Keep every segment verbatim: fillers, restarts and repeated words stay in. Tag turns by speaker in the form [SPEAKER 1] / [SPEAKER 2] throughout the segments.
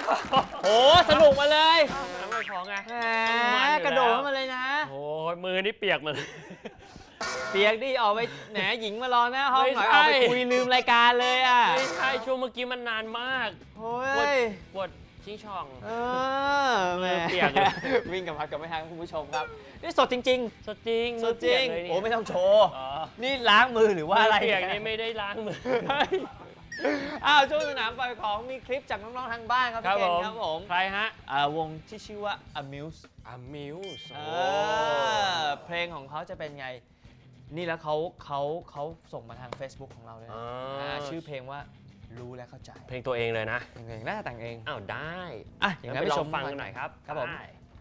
[SPEAKER 1] โอ้สนุกมาเลย
[SPEAKER 2] ไม่พอไง
[SPEAKER 1] แหมกระโดดมาเลยนะ
[SPEAKER 2] โอ้ยมือนี่เปียกหมด
[SPEAKER 1] เปียกดิออกไปแหนหญิงมารอหน้าห้องหน่อยออกไปคุยลืมรายการเลยอ่ะ
[SPEAKER 2] ไม่ใช่ช่วงเมื่อกี้มันนานมาก
[SPEAKER 1] โอ้
[SPEAKER 2] ยปวดชิงช่อง
[SPEAKER 1] เออแหม
[SPEAKER 2] เปียก
[SPEAKER 1] วิ่งกับพัดกับไม่ทันคุณผู้ชมครับนี่สดจริง
[SPEAKER 2] ๆสดจริง
[SPEAKER 1] สดจริงโอ้ไม่ต้องโชว์นี่ล้างมือหรือว่าอะไร
[SPEAKER 2] เปียกนี่ไม่ได้ล้างมือ
[SPEAKER 1] อ้าวช่วงสนามปล่อยของมีคลิปจากน้องๆทางบ้านครับพี่เก่งครับผม
[SPEAKER 2] ใครฮะ
[SPEAKER 1] วงที่ชื่อว่า Amuse
[SPEAKER 2] Amuse
[SPEAKER 1] เพลงของเขาจะเป็นไงนี่แล้วเขาเขาเขาส่งมาทาง Facebook ของเราเลยชื่อเพลงว่ารู้และเข้าใจ
[SPEAKER 2] เพลงตัวเองเลยนะ
[SPEAKER 1] เพลงน่าจะแต่งเอง
[SPEAKER 2] อ้าวได้
[SPEAKER 1] อ่ะอย่างนั้นไปชม
[SPEAKER 2] ฟังกันหน่อยครับ
[SPEAKER 1] ครับผม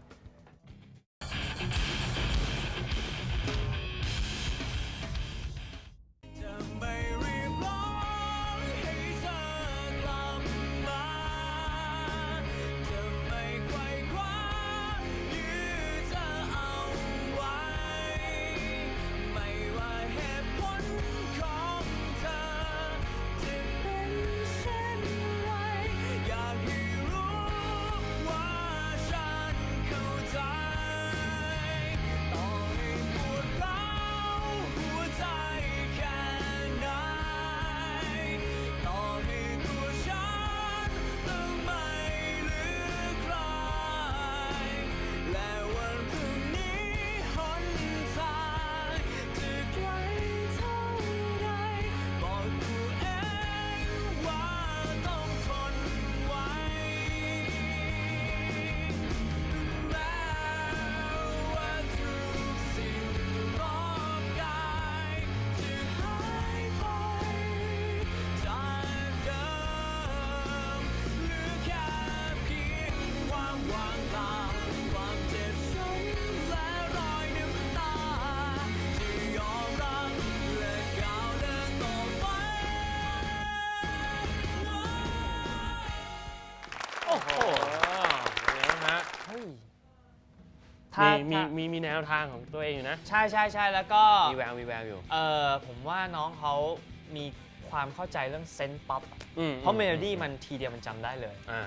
[SPEAKER 2] มีมีมีมีแนวทางของตัวเองอยู่นะ
[SPEAKER 1] ใช่ใช่ใช่แล้วก็
[SPEAKER 2] มีแววมีแววอยู่
[SPEAKER 1] เออผมว่าน้องเขามีความเข้าใจเรื่องเซนต์ป๊อปเพราะเมโลดี้มันทีเดียวมันจำได้เลย
[SPEAKER 2] อ่า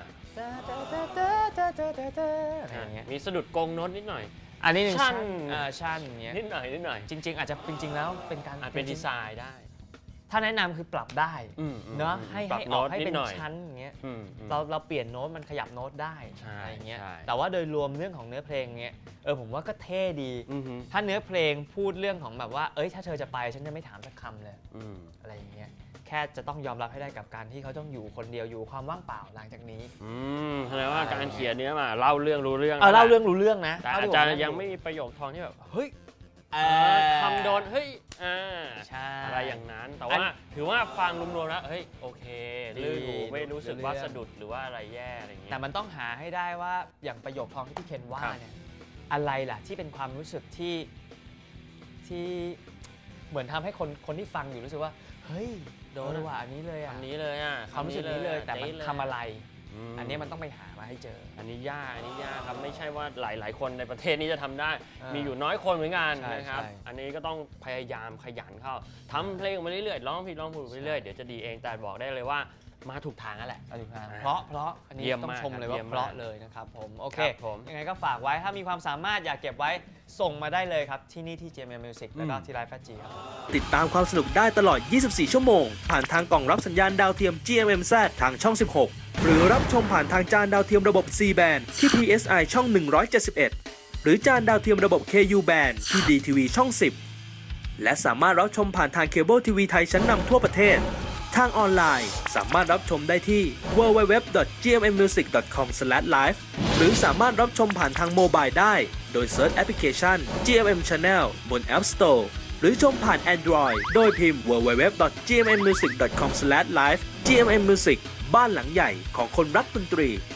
[SPEAKER 1] อะไรอย่างเงี้ย
[SPEAKER 2] มีสะดุดกงโน้ตนิดหน่อย
[SPEAKER 1] อันนี้หนึ่ง
[SPEAKER 2] ชั้น
[SPEAKER 1] ชั้นเงี้ย
[SPEAKER 2] นิดหน่อยนิดหน่อย
[SPEAKER 1] จริงๆอาจจะจริงๆแล้วเป็นการ
[SPEAKER 2] เป็นดีไซน์ได้
[SPEAKER 1] ถ้าแนะนำคือปรับได้เนาะให้ให้ออกให้เป็นชั้นอย่างเงี้ยเราเราเปลี่ยนโน้ตมันขยับโน้ตได้อะไรเงี้ยแต่ว่าโดยรวมเรื่องของเนื้อเพลงเงี้ยเออผมว่าก็เท่ดีถ้าเนื้อเพลงพูดเรื่องของแบบว่าเอ้ยถ้าเธอจะไปฉันจะไม่ถามสักคำเลยอะไรอย่างเงี้ยแค่จะต้องยอมรับให้ได้กับการที่เขาต้องอยู่คนเดียวอยู่ความว่างเปล่าหลังจากนี้
[SPEAKER 2] อืมแสดงว่าการเขียนเนี้ยมาเล่าเรื่องรู้เรื่อง
[SPEAKER 1] เออเล่าเรื่องรู้เรื่องนะ
[SPEAKER 2] แต่อาจารย์ยังไม่มีประโยคทองที่แบบเฮ้ยคำโดนเฮ้ยอะไรอย่างนั้นแต่ว่าถือว่าฟังรวมๆแล้วเฮ้ยโอเคลื่นหูไม่รู้สึกว่าสะดุดหรือว่าอะไรแย่อะไรอย่างเงี้ย
[SPEAKER 1] แต่มันต้องหาให้ได้ว่าอย่างประโยคทองที่พี่เคนว่าเนี่ยอะไรล่ะที่เป็นความรู้สึกที่ที่เหมือนทำให้คนคนที่ฟังอยู่รู้สึกว่าเฮ้ยโดนว่าอันนี้เลยอ่ะ
[SPEAKER 2] อันนี้เลยอ่ะ
[SPEAKER 1] ความรู้สึกนี้เลยแต่มันทำอะไรอันนี้มันต้องไปหามาให้เจอ
[SPEAKER 2] อันนี้ยากอันนี้ยากครับไม่ใช่ว่าหลายๆคนในประเทศนี้จะทำได้มีอยู่น้อยคนเหมือนกันนะครับอันนี้ก็ต้องพยายามขยันเข้าทำเพลงมาเรื่อยๆร้องผิดร้องถูกไปเรื่อยๆเดี๋ยวจะดีเองแต่บอกได้เลยว่ามาถูกทางแล้วแหละ
[SPEAKER 1] ถูกทางเพราะเพราะอันนี้ต้องชมเลยว่าเพราะเลยนะครับผมโอเคยังไงก็ฝากไว้ถ้ามีความสามารถอยากเก็บไว้ส่งมาได้เลยครับที่นี่ที่ จี เอ็ม เอ็ม Music แล้วก็ที่ไลฟ์แฟจีครับ
[SPEAKER 3] ติดตามความสนุกได้ตลอดยี่สิบสี่ชั่วโมงผ่านทางกล่องรับสัญญาณดาวเทียม จี เอ็ม เอ็ม แซด ทางช่องสิบหกหรือรับชมผ่านทางจานดาวเทียมระบบ ซี แบนด์ ที่ พี เอส ไอ ช่องหนึ่งร้อยเจ็ดสิบเอ็ดหรือจานดาวเทียมระบบ เค ยู แบนด์ ที่ ดี ที วี ช่องสิบและสามารถรับชมผ่านทางเคเบิลทีวีไทยชั้นนำทั่วประเทศทางออนไลน์สามารถรับชมได้ที่ ดับเบิลยู ดับเบิลยู ดับเบิลยู ดอท จี เอ็ม เอ็ม มิวสิก ดอท คอม สแลช ไลฟ์ หรือสามารถรับชมผ่านทางโมบายได้โดยเซิร์ชแอปพลิเคชัน จี เอ็ม เอ็ม Channel บน App Store หรือชมผ่าน Android โดยพิมพ์ ดับเบิลยู ดับเบิลยู ดับเบิลยู ดอท จี เอ็ม เอ็ม มิวสิก ดอท คอม สแลช ไลฟ์ จี เอ็ม เอ็ม Music บ้านหลังใหญ่ของคนรักดนตรี